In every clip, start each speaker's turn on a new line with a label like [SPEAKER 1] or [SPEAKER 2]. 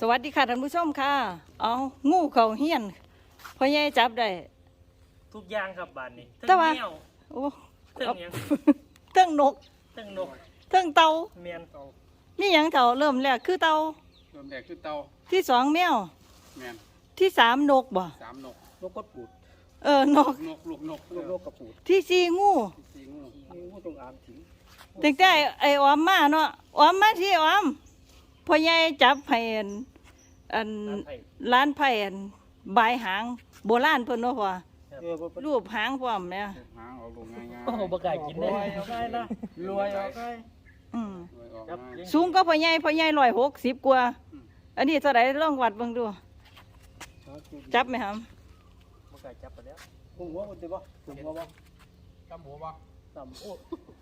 [SPEAKER 1] วัสดีค่ะท่านผู้ชมค่ะเอางูเขาเฮียนพ่อใหญ่จับได้
[SPEAKER 2] ทุกอย่างครับบ้านนี้
[SPEAKER 1] แต่ว่า
[SPEAKER 2] เมียว
[SPEAKER 1] โอ้
[SPEAKER 2] เทิงหยัง
[SPEAKER 1] เทิงนก
[SPEAKER 2] เทิงนก
[SPEAKER 1] เทิงเต่า
[SPEAKER 2] เมียนเตา
[SPEAKER 1] นี่หยังเต่าเริ่มแรกคือเต่า
[SPEAKER 3] เริ่มแรกคือเตา
[SPEAKER 1] ที่สองแมว
[SPEAKER 3] แมน
[SPEAKER 1] ที่สามนกบ่
[SPEAKER 3] สามนก
[SPEAKER 2] นกกดปูด
[SPEAKER 1] นก
[SPEAKER 3] นกลูกนก
[SPEAKER 2] นกกระปูด
[SPEAKER 1] ที่สี่งู
[SPEAKER 3] สี่งู
[SPEAKER 2] งูตรงอ่างถิง
[SPEAKER 1] ตั้งแต่ไอ้ออมมาเนาะออมมาที่ออมพ่อใหญ่จับให้อัน
[SPEAKER 2] น้ำไผ่
[SPEAKER 1] ร้านไผ่อันบายหางโบราณเพิ่นเนาะพ่อ
[SPEAKER 2] บ่
[SPEAKER 1] รูปหางพร้อมเนี่ย
[SPEAKER 3] หางเอาลงง่ายๆ
[SPEAKER 2] โอ้บ่กล้ากินได้ง่ายนะรวยเอาง่าย
[SPEAKER 1] อืม
[SPEAKER 3] รวยออก
[SPEAKER 2] ครับ
[SPEAKER 3] ง่าย
[SPEAKER 1] สูงก็พ่อใหญ่160กว่าอันนี้เท่าไหร่ลองวัดเบิ่งดูจับไหมครับ
[SPEAKER 2] บ่กล้าจับไปแล้ว
[SPEAKER 4] ผมหัวมันจะบ่ผมหัวบ่
[SPEAKER 3] กำหัวบ่
[SPEAKER 4] ต่ำโอ้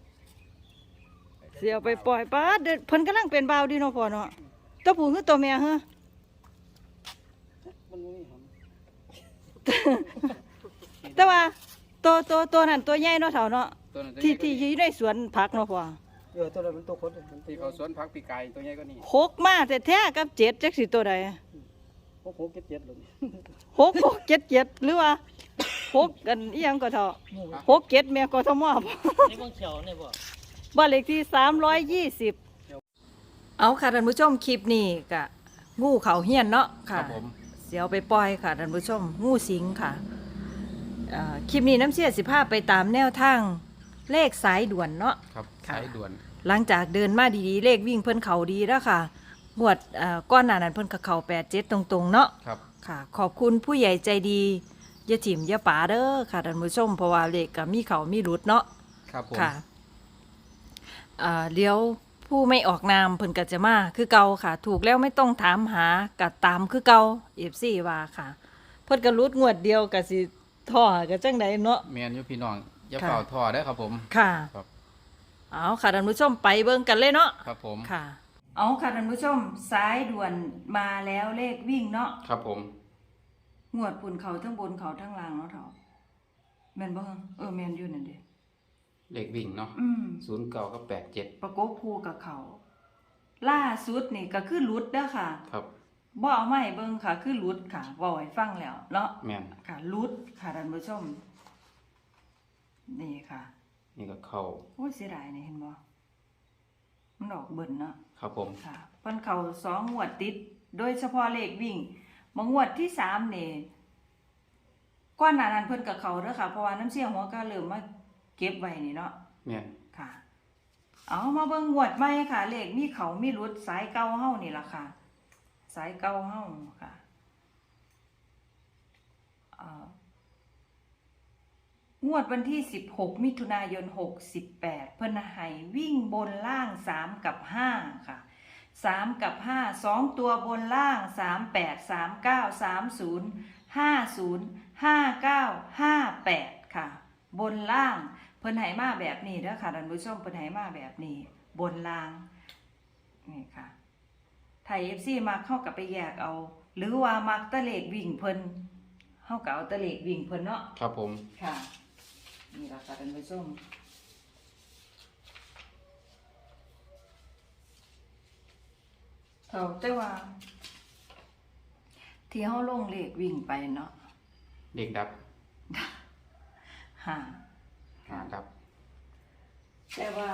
[SPEAKER 1] เสียไปปล่อยป้าเด้อเพิ่นกำลังเป็นบ่าวดีเนาะพ่อเนาะตัวผู้คือตัวแม่ฮะ
[SPEAKER 4] มันบ่มีห
[SPEAKER 1] แต่ว่าตัวนั้นตัวใหญ่เนาะเฒ่าเนาะ
[SPEAKER 3] ตัวนั้นตัว
[SPEAKER 1] ที่
[SPEAKER 3] ใหญ่
[SPEAKER 1] อยู่ในสวนผักเนาะพ่อ
[SPEAKER 4] ำตัวนั้นมันตัวคนมัน
[SPEAKER 3] ที่เขาสวนพักปีกไก่ตัวใหญ่ก็นี่
[SPEAKER 1] หกมาแท้ๆกับเจ็ดจักสิตัวใด
[SPEAKER 4] โอ้โหเจ็ดเลย
[SPEAKER 1] หกเจ็ดหรือว่าหกกันอีหยังก็เฒ่าหกเจ็ดแม่กทมบ่
[SPEAKER 2] นี่เบิ่งเขียวนี่บ่
[SPEAKER 1] บ้านเลขที่320เอาค่ะท่านผู้ชมคลิปนี้ก็งูเขาเฮียนเนาะ
[SPEAKER 3] ค
[SPEAKER 1] ค่ะ
[SPEAKER 3] รับผม
[SPEAKER 1] เสียวไปปล่อยค่ะท่านผู้ชมงูสิงค่ะคลิปนี้น้ำเชี่ยสิภาพไปตามแนวทางเลขสายด่วนเนาะ
[SPEAKER 3] ครับ
[SPEAKER 1] ค่ะ
[SPEAKER 3] สายด่วน
[SPEAKER 1] หลังจากเดินมาดีๆเลขวิ่งเพิ่นเขาดีแล้วค่ะงวดก้อนหน้านั้นเพิ่นก็เข้า87ตรงๆเนาะ
[SPEAKER 3] ครับ
[SPEAKER 1] ค่ะ ขอบคุณผู้ใหญ่ใจดีอย่าถิ่มอย่าป๋าเด้อค่ะท่านผู้ชมเพราะว่าเลขก็มีเขามีรุดเนาะ
[SPEAKER 3] ครับผม
[SPEAKER 1] ค่ะเดี๋ยวผู้ไม่ออกนามเพิ่นก็จะมาคือเก่าค่ะ ถูกแล้วไม่ต้องถามหากัดตามคือเก่า FC ว่าค่ะ เพิ่นก็รุดงวดเดียวก็สิท่อก็จังไดเนาะ
[SPEAKER 3] แมนอยู่พี่น้องอย่า
[SPEAKER 1] ค่ะ
[SPEAKER 3] เป่าท่อได้อครับผม
[SPEAKER 1] ค่ะ
[SPEAKER 3] ครับ
[SPEAKER 1] เอาค่ะท่านผู้ชมไปเบิ่งกันเลยเนาะ
[SPEAKER 3] ครับผม
[SPEAKER 1] ค่ะ เอาค่ะท่านผู้ชมสายด่วนมาแล้วเลขวิ่งเนาะ
[SPEAKER 3] ครับผม
[SPEAKER 1] งวดปุ่นเขาทั้งบนเขาทั้งล่างเนาะเฒ่าแม่นบ่แม่นอยู่นั่นเด้
[SPEAKER 3] เลขวิ่งเนาะ 09กับ87
[SPEAKER 1] ประกบคู่กับเขา ล่าสุดนี่ก็คือหลุดเด้อค่ะ
[SPEAKER 3] ครับ
[SPEAKER 1] บ่เอามาให้เบิ่งค่ะ คือหลุดค่ะเว้าให้ฟังแล้วเนาะ
[SPEAKER 3] แมน
[SPEAKER 1] ค่ะหลุดค่ะท่านผู้ชม นี่ค่ะ
[SPEAKER 3] นี่ก็เข้า
[SPEAKER 1] โอ้ยเสียดายนี่เห็นบ่มันออกเบิ่นเนาะ
[SPEAKER 3] ครับผม
[SPEAKER 1] ค่ะเพิ่นเข้า2งวดติด โดยเฉพาะเลขวิ่งบางงวดที่3นี่ก่อนหน้านั้นเพิ่นก็เข้าเด้อค่ะเพราะว่าน้ำเสียหัวก็เริ่มมาเก็บไว้นี่เนาะ
[SPEAKER 3] แมน
[SPEAKER 1] ค่ะ เอามาเบิ่งงวดใหม่ค่ะ เลขมีเขามีรุดสายเก่าเฮานี่ล่ะค่ะ สายเก่าเฮาค่ะงวดวันที่16มิถุนายน68เพิ่นให้วิ่งบนล่าง3กับ5ค่ะ3กับ5 2ตัวบนล่าง38 39 30 50 59 58ค่ะ บนล่างเพิ่นให้มาแบบนี้เด้อค่ะท่านผู้ชมเพิ่นให้มาแบบนี้ บนล่างนี่ค่ะไทย FC มักเข้ากับไปแยกเอา หรือว่ามักตะเลขวิ่งเพิ่นเฮาก็เอาตะเลขวิ่งเพิ่นเนาะ
[SPEAKER 3] ครับผม
[SPEAKER 1] ค่ะนี่ล่ะค่ะท่านผู้ชมเอาแต่ว่า ที่เฮาลงเลขวิ่งไปเนาะ
[SPEAKER 3] เด็กดับ
[SPEAKER 1] ค่ะ
[SPEAKER 3] ครับ
[SPEAKER 1] แต่ว่า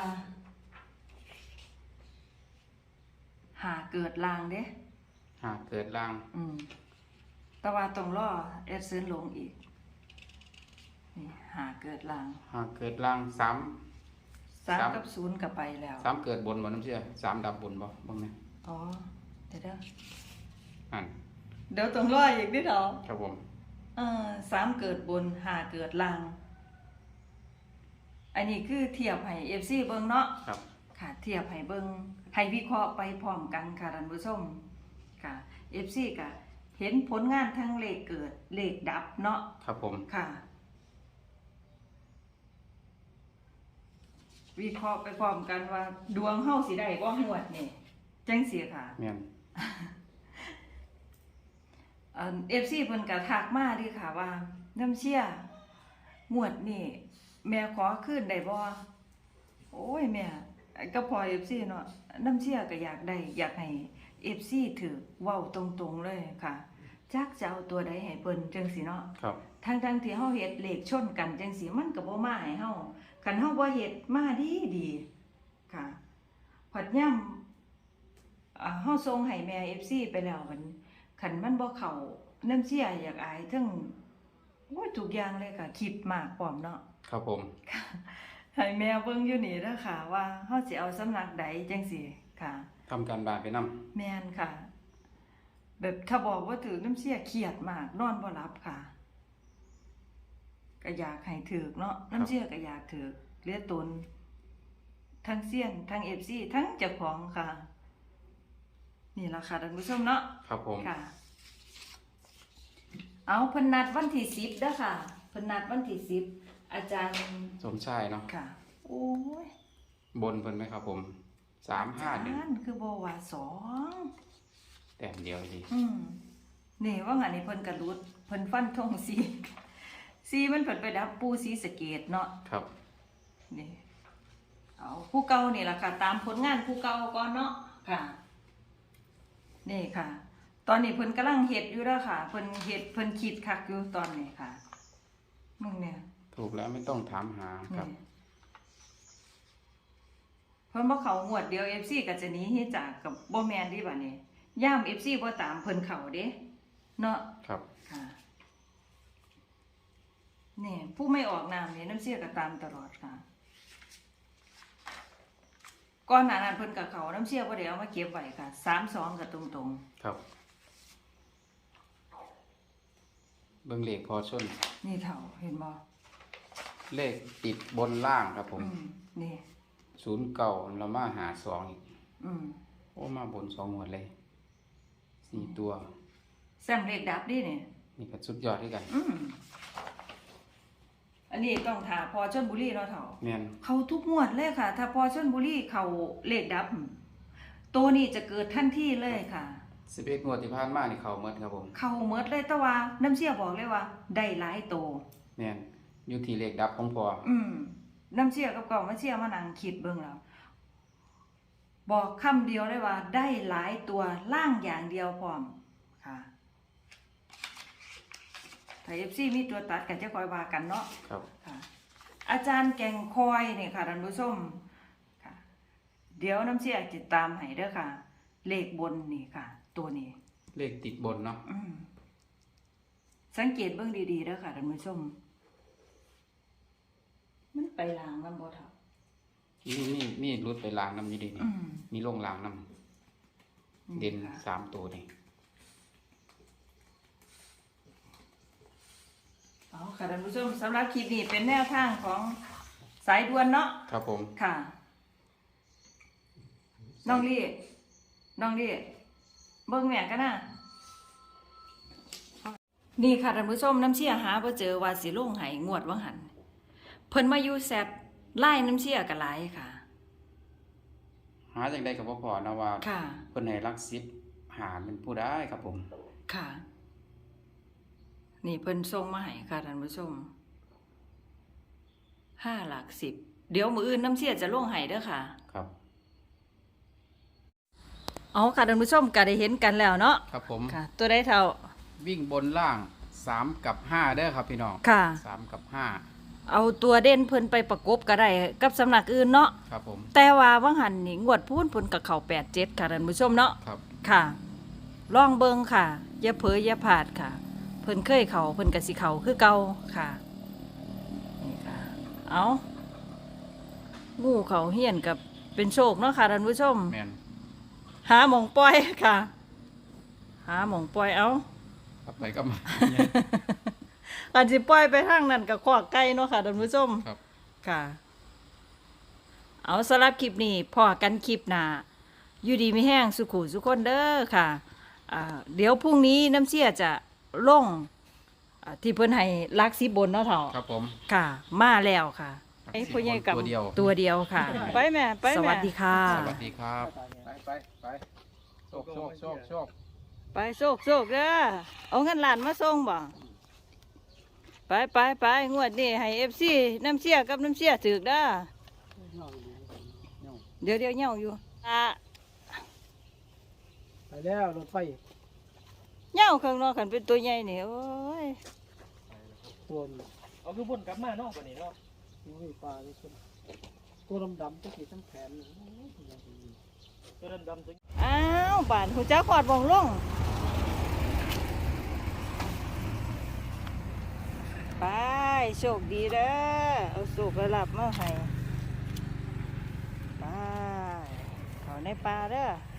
[SPEAKER 1] หาเกิดลางเด้
[SPEAKER 3] หากเกิดล่าง
[SPEAKER 1] แต่ว่าต้องรอแอดซื้อลงอีกนี่หาเกิดลาง
[SPEAKER 3] หากเกิดล่าง3
[SPEAKER 1] 3กับ0ก็ไปแล้ว
[SPEAKER 3] 3เกิดบนบ่น้ำเชื่อ3ดับบนบ่บ้างไหม
[SPEAKER 1] อ๋อเดี๋ยว
[SPEAKER 3] อัน
[SPEAKER 1] เดี๋ยวต้องรออีกนิดเดียว
[SPEAKER 3] ครับผม
[SPEAKER 1] 3เกิดบน5เกิดลาง อันนี้คือเทียบให้ FC เบิ่งเนาะ
[SPEAKER 3] ครับ
[SPEAKER 1] ค่ะเทียบให้เบิ่งให้วิเคราะห์ไปพร้อมกันค่ะท่านผู้ชมค่ะ FC ก็เห็นผลงานทั้งเลขเกิดเลขดับเนาะ
[SPEAKER 3] ครับผม
[SPEAKER 1] ค่ะ วิเคราะห์ไปพร้อมกันว่า ดวงเฮาสิได้บ่งวดนี่จังซี่ค่ะ
[SPEAKER 3] แม่น
[SPEAKER 1] FC เพิ่นก็ทักมาดิค่ะว่าน้ำเชี่ยงวดนี่แม่ขอคืนได้บ่โอ้ยแม่ก็พอ FC เนาะน้ำเชี่ยก็อยากได้อยากให้ FC ถือเว้าตรงๆเลยค่ะจักจะเอาตัวใดให้เพิ่นจังสิเนาะ
[SPEAKER 3] ครับ
[SPEAKER 1] ทั้งที่เฮาเฮ็ดเลขชนกันจังสิมันก็บ่มาให้เฮาคันเฮาบ่เฮ็ดมาดีค่ะพอดย่ำเฮาส่งให้แม่ FC ไปแล้วมันคันมันบ่เข้าน้ำเสียอยากอายทั้งโอ้ยทุกอย่างเลยค่ะคิดมากพร้อมเนาะ
[SPEAKER 3] ครับผม
[SPEAKER 1] ให้แม่เบิ่งอยู่นี่เด้อค่ะว่าเฮาสิเอาสำนักใดจังสิค่ะ
[SPEAKER 3] ทำการบ้านไปนำ
[SPEAKER 1] แม่นค่ะ แบบถ้าบอกว่าถือน้ำเสียเครียดมากนอนบ่หลับค่ะก็อยากให้ถือเนาะน้ำเสียก็อยากถือเลียตนทั้งเสียนทั้ง FC ทั้งเจ้าของค่ะ นี่ล่ะค่ะท่านผู้ชมเนาะ
[SPEAKER 3] ครับผม
[SPEAKER 1] ค่ะ เอาเพิ่นนัดวันที่10เด้อค่ะเพิ่นนัดวันที่10อาจารย์
[SPEAKER 3] สมชายเนาะ
[SPEAKER 1] ค่ะ โอ้ย
[SPEAKER 3] บนเพิ่นไหมครับผม
[SPEAKER 1] อาจารย์คือบ่ว่า2
[SPEAKER 3] แต้มเดียวดี
[SPEAKER 1] นี่ว่างั้นนี่เพิ่นกระลุดเพิ่นฟันธงสีมันเพิ่นไปดับปูสีสะเกตเนาะ
[SPEAKER 3] ครับ
[SPEAKER 1] นี่เอาผู้เก่านี่ล่ะค่ะ ตามผลงานผู้เก่าก่อนเนาะค่ะ นี่ค่ะ ตอนนี้เพิ่นกำลังเฮ็ดอยู่แล้วค่ะเพิ่นเฮ็ดเพิ่นคิดคักอยู่ตอนนี้ค่ะมึงเนี่ย
[SPEAKER 3] ถูกแล้วไม่ต้องถามหาครับ
[SPEAKER 1] นี่เพิ่นบ่เข้างวดเดียว FC ก็จะหนีเฮ็ดจากกับบ่แม่นดิบัดนี้ย่าม FC บ่ตามเพิ่นเข้าเด้เนาะ
[SPEAKER 3] ครับ
[SPEAKER 1] ค่ะนี่ผู้ไม่ออกนามเนี่ยน้ำเสียก็ตามตลอดค่ะก่อนหน้านั้นเพิ่นกับเขาน้ำเสียบ่ได้เอามาเก็บไว้ค่ะ32ก็ตรง
[SPEAKER 3] ครับ เบิ่งเลขพอชน
[SPEAKER 1] ๆนี่เท่าเห็นบ่
[SPEAKER 3] เลขติดบนล่างครับผม
[SPEAKER 1] นี่
[SPEAKER 3] 09เรามาหา2อีก โอ้มาบน2หมวดเลย4ตัว
[SPEAKER 1] แซมเลขดับดิเนี่ย
[SPEAKER 3] นี่ก็สุดยอดด้วยกัน
[SPEAKER 1] อันนี้ต้องถาพอชลบุรีเนาะเท่า
[SPEAKER 3] แม่น
[SPEAKER 1] เขาทุกงวดเลยค่ะ ถ้าพอชลบุรีเขาเลขดับ ตัวนี้จะเกิดทันทีเลยค่ะ
[SPEAKER 3] 11งวดที่ผ่านมานี่เข้าหมดครับผม
[SPEAKER 1] เขาเมิดเลยแต่ว่าน้ำเสียบอกเลยว่า ได้หลายโต
[SPEAKER 3] แม่นอยู่ที่เลขดับของพอ
[SPEAKER 1] น้ำเสียกับเก่ามาเสียมานั่งคิดเบิ่งแล้ว บอกคำเดียวเลยว่า ได้หลายตัวล่างอย่างเดียวพร้อมค่ะถ้า FC มีตัวตัดกันจะคอยว่ากันเนาะ
[SPEAKER 3] ครับ
[SPEAKER 1] ค่ะ อาจารย์แก่งคอยนี่ค่ะท่านผู้ชมค่ะ เดี๋ยวน้ำเสียติดตามให้เด้อค่ะ เลขบนนี่ค่ะ ตัวนี้
[SPEAKER 3] เลขติดบนเนาะ
[SPEAKER 1] สังเกตเบิ่งดีๆเด้อค่ะท่านผู้ชม มันไปลางนำบ่เท่า
[SPEAKER 3] มีรุดไปล้างน้ำอยู่ดีนี่มีลงล้างน้ำเด่น
[SPEAKER 1] ค่ะ
[SPEAKER 3] 3ตัวนี่
[SPEAKER 1] เอาค่ะท่านผู้ชมสำหรับคลิปนี้เป็นแนวทางของสายด่วนเนาะ
[SPEAKER 3] ครับผม
[SPEAKER 1] ค่ะ น้องลี่เบิ่งแม่กันนะนี่ค่ะท่านผู้ชมน้ำเชี่ยหาบ่เจอว่าสิลงให้งวดว่าหันเพิ่นมาอยู่แซดไล่น้ำเชี่ยกันหลายค่ะ
[SPEAKER 3] หาจังได๋ก็บ่พอนะว่า
[SPEAKER 1] ค่ะ
[SPEAKER 3] เพิ่นให้หลัก10หาเป็นผู้ได้ครับผม
[SPEAKER 1] ค่ะ นี่เพิ่นส่งมาให้ค่ะท่านผู้ชม5 หลัก 10เดี๋ยวมื้ออื่นน้ำเชี่ยจะลงให้เด้อค่ะ
[SPEAKER 3] ครับ
[SPEAKER 1] เอาค่ะท่านผู้ชมก็ได้เห็นกันแล้วเนาะ
[SPEAKER 3] ครับผม
[SPEAKER 1] ค่ะ ตัวได้เท่า
[SPEAKER 3] วิ่งบนล่าง3กับ5เด้อครับพี่น้อง
[SPEAKER 1] ค่ะ
[SPEAKER 3] 3กับ5
[SPEAKER 1] เอาตัวเด่นเพิ่นไปประกบก็ได้กับสำนักอื่นเนาะ
[SPEAKER 3] ครับผม
[SPEAKER 1] แต่ว่าว่างหันนี่งวดพูนเพิ่นกับเขา87ค่ะท่านผู้ชมเนาะ
[SPEAKER 3] ครับ
[SPEAKER 1] ค่ะ ลองเบิ่งค่ะ อย่าเผลออย่าพลาดค่ะ เพิ่นเคยเขาเพิ่นก็สิเขาคือเก่าค่ะนี่ค่ะ เอางูเขาเฮียนกับเป็นโชคเนาะค่ะท่านผู้ชม
[SPEAKER 3] แม่น
[SPEAKER 1] หาหม่องปล่อยค่ะ หาหม่องปล่อยเอา
[SPEAKER 3] กลับไปก็มา
[SPEAKER 1] การสิปล่อยไปทางนั้นก็ขอกไก่เนาะค่ะท่านผู้ชม
[SPEAKER 3] ครับ
[SPEAKER 1] ค่ะ เอาสำหรับคลิปนี้พอกันคลิปหน้าอยู่ดีไม่แห้งสุขุสุขคนเด้อค่ะเดี๋ยวพรุ่งนี้น้ำเชี่ยจะลงที่เพิ่นให้ลักสิบบนเนาะเถ่า
[SPEAKER 3] ครับผม
[SPEAKER 1] ค่ะ มาแล้วค่ะ
[SPEAKER 3] ลัก
[SPEAKER 1] ไอ้
[SPEAKER 3] สิบ
[SPEAKER 1] พ่อใหญ่กับ
[SPEAKER 3] ตัวเดียว
[SPEAKER 1] ตัวเดียวค่ะ ไปแม่ไปแม่สวัสดีค่ะ
[SPEAKER 3] สวัสดีครับ ไปโชคโชค
[SPEAKER 1] ไปโชคเด้อเอาเงินล้านมาส่งบ่ไปงวดนี้ให้ FC น้ำเชี่ยกับน้ำเชี่ยถึกเด้อเดี๋ยวเหี่ยวอยู่
[SPEAKER 4] ไปแล้วรถไฟ
[SPEAKER 1] เหย้าข้างนอกขันเป็นตัวใหญ่นี่โอ้ย
[SPEAKER 4] ตัว
[SPEAKER 2] เอาคือวนกลับมาเนาะวันนี้เนาะ
[SPEAKER 4] นี้ปลาเลยคนตัวดำๆจะกี่ทั้งแขน
[SPEAKER 2] ตัวดำๆตัว
[SPEAKER 1] อ้าวบานหูจักขอดบ่งลงไปโชคดีเด้อเอาโชคระลับมาให้ไปเขาในป่าเด้อ